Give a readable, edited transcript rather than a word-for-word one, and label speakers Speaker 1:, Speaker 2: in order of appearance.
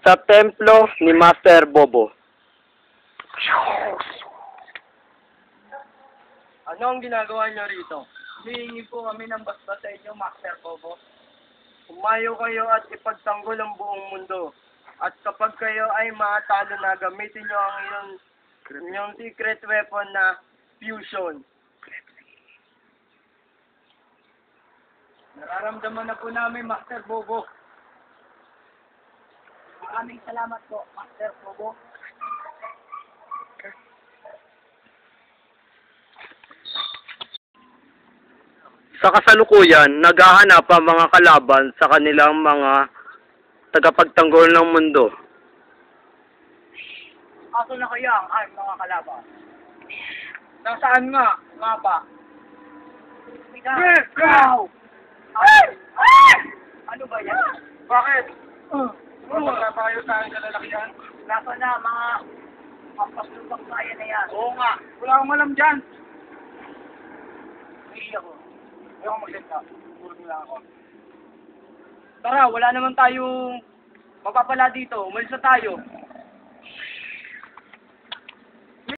Speaker 1: Sa templo ni Master Bobo.
Speaker 2: Ano ang ginagawa niyo rito? Hihingi po kami ng basbas sa inyo, Master Bobo. Umayo kayo at ipagtanggol ang buong mundo. At kapag kayo ay matalo na, gamitin niyo ang inyong secret weapon na fusion. Nararamdaman na po namin, Master Bobo. Maraming salamat po, Master Bobo.
Speaker 1: Sa kasalukuyan, naghahanap ang mga kalaban sa kanilang mga tagapagtanggol ng mundo.
Speaker 2: Aso na kaya ang aming mga kalaban? Nasaan nga ba? Ikaw! Ano ba yan? Bakit? Magpapayo tayo sa lalakihan? Nasa na mga pampaslupang kaya na yan. Oo nga. Wala akong alam dyan. Hindi ako. Ayaw ko magsalita. Puro nila ako. Tara, wala naman tayong mapapala dito. Umalis na tayo.